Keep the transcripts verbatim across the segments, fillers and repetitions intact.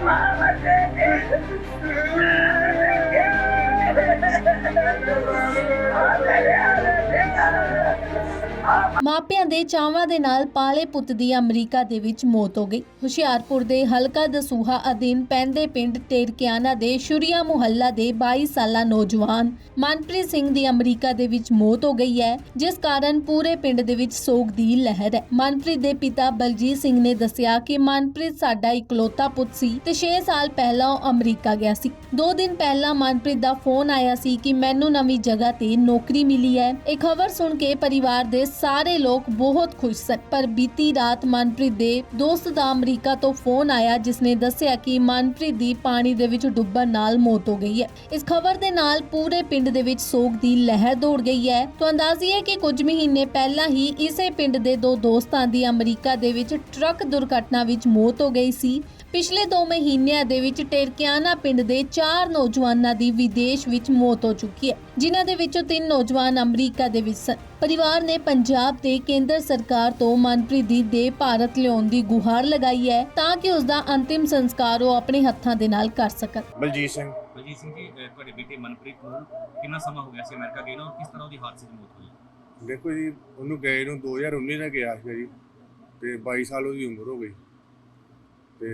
ਮਾਪਿਆਂ ਦੇ ਚਾਵਾਂ ਦੇ ਨਾਲ ਪਾਲੇ ਪੁੱਤ ਦੀ ਅਮਰੀਕਾ ਦੇ ਵਿੱਚ ਮੌਤ ਹੋ ਗਈ। ਹੁਸ਼ਿਆਰਪੁਰ ਦੇ ਹਲਕਾ ਦਸੂਹਾ ਅਧੀਨ ਪੈਂਦੇ ਪਿੰਡ ਟੇਰਕਿਆਨਾ ਦੇ ਸ਼ੁਰੀਆ ਮੁਹੱਲਾ ਦੇ ਬਾਈ ਸਾਲਾ ਨੌਜਵਾਨ ਮਨਪ੍ਰੀਤ ਸਿੰਘ ਦੀ ਅਮਰੀਕਾ ਦੇ ਵਿੱਚ ਮੌਤ ਹੋ ਗਈ ਹੈ, ਜਿਸ ਕਾਰਨ ਪੂਰੇ ਪਿੰਡ ਦੇ ਵਿੱਚ ਸੋਗ ਦੀ ਲਹਿਰ ਹੈ। ਮਨਪ੍ਰੀਤ ਦੇ ਪਿਤਾ ਬਲਜੀਤ ਸਿੰਘ ਨੇ ਦੱਸਿਆ ਕਿ ਮਨਪ੍ਰੀਤ ਸਾਡਾ ਇਕਲੌਤਾ ਪੁੱਤ ਸੀ ਤੇ ਛੇ ਸਾਲ ਪਹਿਲਾਂ ਉਹ ਅਮਰੀਕਾ ਗਿਆ ਸੀ। ਦੋ ਦਿਨ ਪਹਿਲਾਂ ਮਨਪ੍ਰੀਤ ਦਾ ਫੋਨ ਆਇਆ ਸੀ ਕਿ ਮੈਨੂੰ ਨਵੀਂ ਜਗ੍ਹਾ ਤੇ ਨੌਕਰੀ ਮਿਲੀ ਹੈ। ਇਹ ਖਬਰ ਸੁਣ ਕੇ ਪਰਿਵਾਰ ਦੇ ਸਾਰੇ ਲੋਕ ਬਹੁਤ ਖੁਸ਼ ਸਨ, ਪਰ ਬੀਤੀ ਰਾਤ ਮਨਪ੍ਰੀਤ ਦੇ ਦੋਸਤ ਦਾ ਅਮਰੀਕਾ ਤੋਂ ਫੋਨ ਆਇਆ, ਜਿਸ ਨੇ ਦੱਸਿਆ ਕਿ ਮਨਪ੍ਰੀਤ ਦੀ ਪਾਣੀ ਦੇ ਵਿੱਚ ਡੁੱਬਣ ਨਾਲ ਮੌਤ ਹੋ ਗਈ ਹੈ। ਇਸ ਖਬਰ ਦੇ ਨਾਲ ਪੂਰੇ ਪਿੰਡ ਦੇ ਵਿੱਚ ਸੋਗ ਦੀ ਲਹਿਰ ਦੌੜ ਗਈ ਹੈ। ਤਾਂ ਅੰਦਾਜ਼ੀਏ ਕਿ ਕੁਝ ਮਹੀਨੇ ਪਹਿਲਾਂ ਹੀ ਇਸੇ ਪਿੰਡ ਦੇ ਦੋ ਦੋਸਤਾਂ ਦੀ ਅਮਰੀਕਾ ਦੇ ਵਿੱਚ ਟਰੱਕ ਦੁਰਘਟਨਾ ਵਿੱਚ ਮੌਤ ਹੋ ਗਈ ਸੀ। ਪਿਛਲੇ ਦੋ ਮਹੀਨਿਆਂ ਦੇ ਵਿੱਚ ਟੇਰਕਿਆਨਾ ਪਿੰਡ ਦੇ ਚਾਰ ਨੌਜਵਾਨਾਂ ਦੀ ਵਿਦੇਸ਼ ਵਿੱਚ ਮੌਤ ਹੋ ਚੁੱਕੀ ਹੈ, ਜਿਨ੍ਹਾਂ ਦੇ ਵਿੱਚੋਂ ਤਿੰਨ ਨੌਜਵਾਨ ਅਮਰੀਕਾ ਦੇ ਵਿੱਚ ਸਨ। ਪਰਿਵਾਰ ਨੇ ਪੰਜਾਬ ਤੇ ਕੇਂਦਰ ਸਰਕਾਰ ਤੋਂ ਮਨਪ੍ਰੀਤ ਦੀ ਦੇਹ ਭਾਰਤ ਲਿਆਉਣ ਦੀ ਗੁਹਾਰ ਲਗਾਈ ਹੈ, ਤਾਂ ਕਿ ਉਸ ਦਾ ਅੰਤਿਮ ਸੰਸਕਾਰ ਉਹ ਆਪਣੇ ਹੱਥਾਂ ਦੇ ਨਾਲ ਕਰ ਸਕਣ। ਬਲਜੀਤ ਸਿੰਘ ਬਲਜੀਤ ਸਿੰਘ ਜੀ, ਤੁਹਾਡੇ ਬੇਟੇ ਮਨਪ੍ਰੀਤ ਨੂੰ ਕਿੰਨਾ ਸਮਾਂ ਹੋ ਗਿਆ ਸੀ ਅਮਰੀਕਾ ਗਏ ਨੂੰ, ਔਰ ਕਿਸ ਤਰ੍ਹਾਂ ਉਹਦੀ ਹਾਦਸੇ 'ਚ ਮੌਤ ਹੋਈ? ਦੇਖੋ ਜੀ, ਉਹਨੂੰ ਗਏ ਨੂੰ ਦੋ ਹਜ਼ਾਰ ਉੱਨੀ ਦਾ ਗਿਆ ਸੀ ਜੀ, ਤੇ ਬਾਈ ਸਾਲ ਉਹਦੀ ਉਮਰ ਹੋ ਗਈ ਤੇ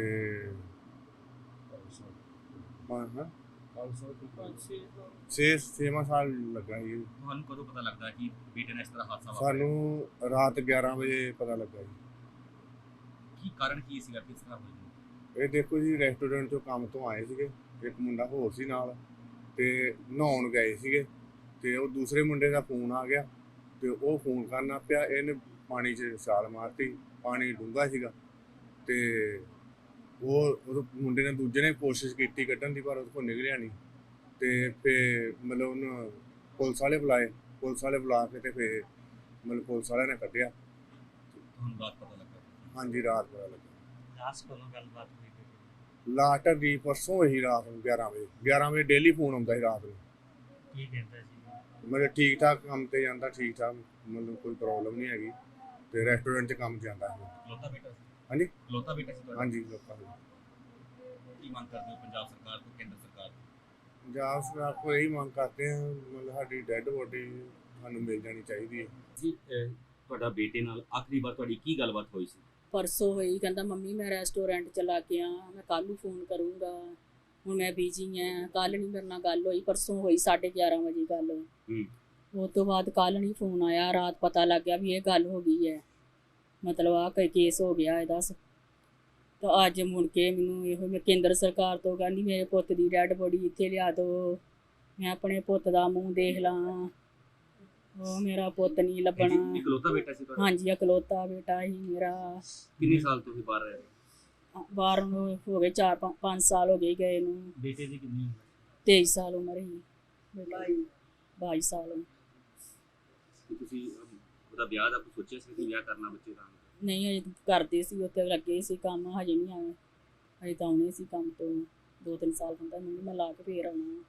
ਹਾਂ ਹਾਂ ਛੇ ਛੇਵਾਂ ਸਾਲ ਲੱਗਾ ਜੀ। ਤੁਹਾਨੂੰ ਕਦੋਂ ਪਤਾ ਲੱਗਦਾ ਕਿ ਬੇਟੇ ਨੇ ਇਸ ਤਰ੍ਹਾਂ ਹਾਦਸਾ ਵਾਪਰਿਆ? ਸਾਨੂੰ ਰਾਤ ਗਿਆਰਾਂ ਵਜੇ ਪਤਾ ਲੱਗਾ ਜੀ। ਕੀ ਕਾਰਨ ਕੀ ਸੀਗਾ, ਕਿਸ ਤਰ੍ਹਾਂ ਹੋਈ? ਇਹ ਦੇਖੋ ਜੀ, ਰੈਸਟੋਰੈਂਟ ਤੋਂ ਕੰਮ ਤੋਂ ਆਏ ਸੀਗੇ, ਇੱਕ ਮੁੰਡਾ ਹੋਰ ਸੀ ਨਾਲ, ਤੇ ਨਹਾਉਣ ਗਏ ਸੀਗੇ, ਤੇ ਉਹ ਦੂਸਰੇ ਮੁੰਡੇ ਦਾ ਫੋਨ ਆ ਗਿਆ ਤੇ ਉਹ ਫੋਨ ਕਰਨਾ ਪਿਆ, ਇਹਨੇ ਪਾਣੀ 'ਚ ਛਾਲ ਮਾਰਤੀ। ਪਾਣੀ ਡੂੰਘਾ ਸੀਗਾ ਤੇ ਉਹ ਉਹ ਮੁੰਡੇ ਨੇ ਦੂਜੇ ਨੇ ਕੋਸ਼ਿਸ਼ ਕੀਤੀ ਕੱਢਣ ਦੀ, ਪਰ ਉਹਦੇ ਕੋਲ ਨਿਕਲਿਆ ਨਹੀਂ। ਤੇ ਫਿਰ ਮਤਲਬ ਉਹਨੂੰ ਪੁਲਿਸ ਵਾਲੇ ਬੁਲਾਏ, ਪੁਲਿਸ ਵਾਲੇ ਬੁਲਾ ਕੇ ਤੇ ਫਿਰ ਮਤਲਬ ਪੁਲਿਸ ਵਾਲਿਆਂ ਨੇ ਕੱਢਿਆ। ਤੁਹਾਨੂੰ ਰਾਤ ਪਤਾ ਲੱਗਾ? ਹਾਂਜੀ, ਰਾਤ ਪਤਾ ਲੱਗਾ। ਲਾਸਟ ਕਦੋਂ ਗੱਲਬਾਤ ਹੋਈ? ਲਾਸਟ ਦੀ ਪਰਸੋਂ ਇਹੀ ਰਾਤ ਨੂੰ ਗਿਆਰਾਂ ਵਜੇ ਗਿਆਰਾਂ ਵਜੇ ਡੇਲੀ ਫੋਨ ਆਉਂਦਾ ਸੀ ਰਾਤ ਨੂੰ। ਕੀ ਕਹਿੰਦਾ ਸੀ? ਮਤਲਬ ਠੀਕ ਠਾਕ ਕੰਮ ਤੇ ਜਾਂਦਾ, ਠੀਕ ਠਾਕ, ਮਤਲਬ ਕੋਈ ਪ੍ਰੋਬਲਮ ਨਹੀਂ ਹੈਗੀ, ਤੇ ਰੈਸਟੋਰੈਂਟ 'ਚ ਕੰਮ ਜਾਂਦਾ ਸੀ। ਲੋਤਾ ਬੇਟਾ ਸੀ? ਹਾਂਜੀ, ਲੋਤਾ ਬੇਟਾ ਸੀ ਤੁਹਾਡਾ? ਹਾਂਜੀ। ਲੋਕਾਂ ਨੂੰ ਕੀ ਮੰਗ ਕਰਦੇ ਹੋ ਪੰਜਾਬ ਸਰਕਾਰ ਤੋਂ, ਕੇਂਦਰ ਸਰਕਾਰ ਤੋਂ? ਪੰਜਾਬ ਸਰਕਾਰ ਕੋਲ ਇਹੀ ਮੰਗ ਕਰਦੇ ਹਾਂ, ਮਤਲਬ ਸਾਡੀ ਡੈੱਡ ਬੋਡੀ ਸਾਨੂੰ ਮਿਲ ਜਾਣੀ ਚਾਹੀਦੀ ਹੈ ਜੀ। ਤੁਹਾਡਾ ਬੇਟੇ ਨਾਲ ਆਖਰੀ ਵਾਰ ਤੁਹਾਡੀ ਕੀ ਗੱਲਬਾਤ ਹੋਈ ਸੀ? ਪਰਸੋਂ ਹੋਈ, ਕਹਿੰਦਾ ਮੰਮੀ ਮੈਂ ਰੈਸਟੋਰੈਂਟ ਚਲਾ ਕੇ ਆ, ਮੈਂ ਕੱਲ੍ਹ ਨੂੰ ਫੋਨ ਕਰੂੰਗਾ, ਹੁਣ ਮੈਂ ਬਿਜੀ ਹਾਂ, ਕੱਲ੍ਹ ਨਹੀਂ ਮੇਰੇ ਨਾਲ ਗੱਲ ਹੋਈ। ਪਰਸੋਂ ਹੋਈ ਸਾਢੇ ਗਿਆਰਾਂ ਵਜੇ ਗੱਲ। ਹੂੰ। ਉਸ ਤੋਂ ਬਾਅਦ ਕੱਲ੍ਹ ਨਹੀਂ ਫੋਨ ਆਇਆ। ਰਾਤ ਪਤਾ ਲੱਗ ਗਿਆ ਵੀ ਇਹ ਗੱਲ ਹੋ ਗਈ ਹੈ, ਮਤਲਬ ਆਹ ਕੋਈ ਕੇਸ ਹੋ ਗਿਆ ਇਹਦਾ। ਤਾਂ ਅੱਜ ਮੁੜ ਕੇ ਮੈਨੂੰ ਇਹੋ ਮੈਂ ਕੇਂਦਰ ਸਰਕਾਰ ਤੋਂ ਕਹਿੰਦੀ ਮੇਰੇ ਪੁੱਤ ਦੀ ਡੈਡ ਬੋਡੀ ਇੱਥੇ ਲਿਆ ਦਿਓ, ਮੈਂ ਆਪਣੇ ਪੁੱਤ ਦਾ ਮੂੰਹ ਦੇਖ ਲਾਂ। ਉਹ ਮੇਰਾ ਪੁੱਤ ਨਹੀਂ ਲੱਭਣਾ। ਇਕਲੌਤਾ ਬੇਟਾ ਸੀ ਤੁਹਾਡਾ? ਹਾਂਜੀ, ਇਕਲੌਤਾ ਬੇਟਾ ਹੀ ਮੇਰਾ। ਕਿੰਨੇ ਸਾਲ ਤੋਂ ਹੀ ਬਾਹਰ ਰਹੇ? ਬਾਹਰ ਨੂੰ ਹੋ ਗਏ ਚਾਰ ਪੰਜ ਸਾਲ ਹੋ ਗਏ ਗਏ ਨੂੰ। ਬੇਟੇ ਦੀ ਕਿੰਨੀ ਉਮਰ? ਤੇਈ ਸਾਲ ਉਮਰ ਹੀ। ਬਾਈ ਬਾਈ ਸਾਲ। ਤੁਸੀਂ ਉਹਦਾ ਵਿਆਹ ਦਾ ਕੁਝ ਸੋਚਿਆ ਸੀ ਕਿ ਵਿਆਹ ਕਰਨਾ ਬੱਚੇ ਦਾ? ਨਹੀਂ, ਹਜੇ ਕਰਦੇ ਸੀ, ਉੱਥੇ ਲੱਗੇ ਸੀ ਕੰਮ, ਹਜੇ ਨਹੀਂ ਆਏ। ਹਜੇ ਤਾਂ ਆਉਣੇ ਸੀ ਕੰਮ ਤੋਂ, ਦੋ ਤਿੰਨ ਸਾਲ ਹੁੰਦਾ ਮੈਨੂੰ, ਮੈਂ ਲਾ ਕੇ ਫੇਰ ਆਉਣਾ।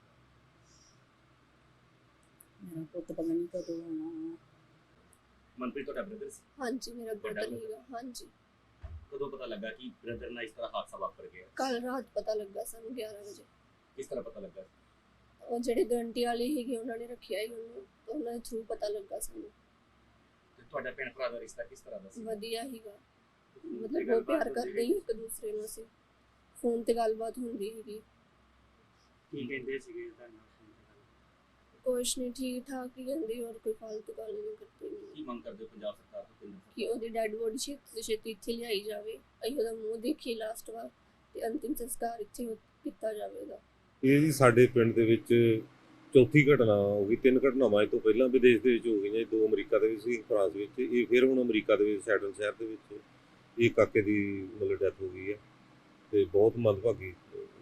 ਮੇਰਾ ਪੁੱਤ ਪਤਾ ਨਹੀਂ ਕਦੋਂ ਆਉਣਾ। ਮਨਪ੍ਰੀਤ ਤੁਹਾਡਾ ਬ੍ਰਦਰ ਸੀ? ਹਾਂਜੀ, ਮੇਰਾ ਬ੍ਰਦਰ ਹੀਗਾ। ਹਾਂਜੀ। ਕਦੋਂ ਪਤਾ ਲੱਗਾ ਕਿ ਬ੍ਰਦਰ ਨਾਲ ਇਸ ਤਰ੍ਹਾਂ ਹਾਦਸਾ ਵਾਪਰ ਗਿਆ? ਕੱਲ ਰਾਤ ਪਤਾ ਲੱਗਾ ਸਾਨੂੰ ਗਿਆਰਾਂ ਵਜੇ। ਕਿਸ ਤਰ੍ਹਾਂ ਪਤਾ ਲੱਗਾ? ਉਹ ਜਿਹੜੇ ਗਰੰਟੀ ਵਾਲੇ ਸੀਗੇ ਉਹਨਾਂ ਨੇ ਰੱਖਿਆ ਹੀ ਉਹਨੂੰ, ਤਾਂ ਉਹਨਾਂ ਦੇ ਥਰੂ ਪਤਾ ਲੱਗਾ ਸਾਨੂੰ। ਤੇ ਤੁਹਾਡਾ ਭੈਣ ਭਰਾ ਦਾ ਰਿਸ਼ਤਾ ਕਿਸ ਤਰ੍ਹਾਂ ਦਾ ਸੀ? ਵਧੀਆ ਹੀਗਾ, ਮਤਲਬ ਬਹੁਤ ਪਿਆਰ ਕਰਦੇ ਸੀ ਇੱਕ ਦੂਸਰੇ ਨੂੰ। ਅਸੀਂ ਫੋਨ ਤੇ ਗੱਲਬਾਤ ਹੁੰਦੀ ਸੀਗੀ। ਕੀ ਕਹਿੰਦੇ ਸੀਗੇ ਤੁਹਾਨੂੰ? ਕੁਛ ਨਹੀਂ, ਠੀਕ ਠਾਕ ਹੀ ਕਹਿੰਦੇ, ਹੋਰ ਕੋਈ ਫालतू ਗੱਲ ਨਹੀਂ ਕਰਦੇ। ਕੀ ਮੰਗ ਕਰਦੇ ਹੋ ਪੰਜਾਬ ਸਰਕਾਰ ਤੋਂ, ਕੇਂਦਰ ਸਰਕਾਰ? ਕਿ ਉਹਦੀ ਡੈਡ ਬੋਡੀ ਛੇਤੀ ਤੋਂ ਛੇਤੀ ਇੱਥੇ ਲਿਆਈ ਜਾਵੇ, ਅਸੀਂ ਉਹਦਾ ਮੂੰਹ ਦੇਖੀਏ ਲਾਸਟ ਵਾਰ, ਤੇ ਅੰਤਿਮ ਸੰਸਕਾਰ ਇੱਥੇ ਕੀਤਾ ਜਾਵੇ ਉਹਦਾ। ਇਹ ਜੀ ਸਾਡੇ ਪਿੰਡ ਦੇ ਵਿੱਚ ਚੌਥੀ ਘਟਨਾ ਹੋ ਗਈ। ਤਿੰਨ ਘਟਨਾਵਾਂ ਇਹ ਤੋਂ ਪਹਿਲਾਂ ਵਿਦੇਸ਼ ਦੇ ਵਿੱਚ ਹੋ ਗਈਆਂ, ਦੋ ਅਮਰੀਕਾ ਦੇ ਵਿੱਚ ਸੀ, ਫਰਾਂਸ ਵਿੱਚ। ਇਹ ਫਿਰ ਹੁਣ ਅਮਰੀਕਾ ਦੇ ਵਿੱਚ ਸੈਟਲ ਸ਼ਹਿਰ ਦੇ ਵਿੱਚ ਇਹ ਕਾਕੇ ਦੀ ਮਤਲਬ ਡੈਥ ਹੋ ਗਈ ਹੈ, ਤੇ ਬਹੁਤ ਮੰਦਭਾਗੀ।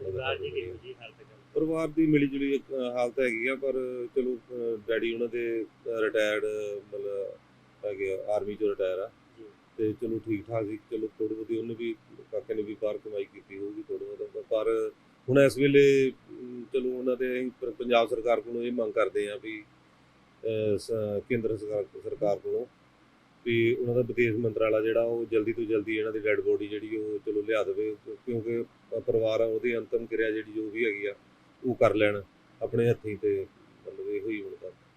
ਪਰਿਵਾਰ ਦੀ ਮਿਲੀ ਜੁਲੀ ਇੱਕ ਹਾਲਤ ਹੈਗੀ ਆ, ਪਰ ਚਲੋ ਡੈਡੀ ਉਹਨਾਂ ਦੇ ਰਿਟਾਇਰਡ ਮਤਲਬ ਹੈਗੇ ਆਰਮੀ 'ਚੋਂ ਰਿਟਾਇਰ ਆ, ਤੇ ਚਲੋ ਠੀਕ ਠਾਕ ਸੀ। ਚਲੋ ਥੋੜ੍ਹੀ ਬਹੁਤੀ ਉਹਨੇ ਵੀ, ਕਾਕੇ ਨੇ ਵੀ ਬਾਹਰ ਕਮਾਈ ਕੀਤੀ ਹੋਊਗੀ ਥੋੜ੍ਹਾ ਬਹੁਤਾ, ਪਰ ਹੁਣ ਇਸ ਵੇਲੇ ਚਲੋ ਉਹਨਾਂ ਦੇ ਅਸੀਂ ਪੰਜਾਬ ਸਰਕਾਰ ਕੋਲੋਂ ਇਹ ਮੰਗ ਕਰਦੇ ਹਾਂ ਵੀ ਕੇਂਦਰ ਸਰਕਾਰ ਸਰਕਾਰ ਕੋਲੋਂ ਵੀ ਉਹਨਾਂ ਦਾ ਵਿਦੇਸ਼ ਮੰਤਰਾਲਾ ਜਿਹੜਾ ਉਹ ਜਲਦੀ ਤੋਂ ਜਲਦੀ ਇਹਨਾਂ ਦੀ ਡੈਡ ਬੋਡੀ ਜਿਹੜੀ ਉਹ ਚਲੋ ਲਿਆ ਦੇਵੇ, ਕਿਉਂਕਿ ਪਰਿਵਾਰ ਆ ਉਹਦੀ ਅੰਤਮ ਕਿਰਿਆ ਜਿਹੜੀ ਜੋ ਵੀ ਹੈਗੀ ਆ ਉਹ ਕਰ ਲੈਣ ਆਪਣੇ ਹੱਥੀਂ, ਤੇ ਮਤਲਬ ਇਹੋ ਹੀ ਹੁਣ ਤੱਕ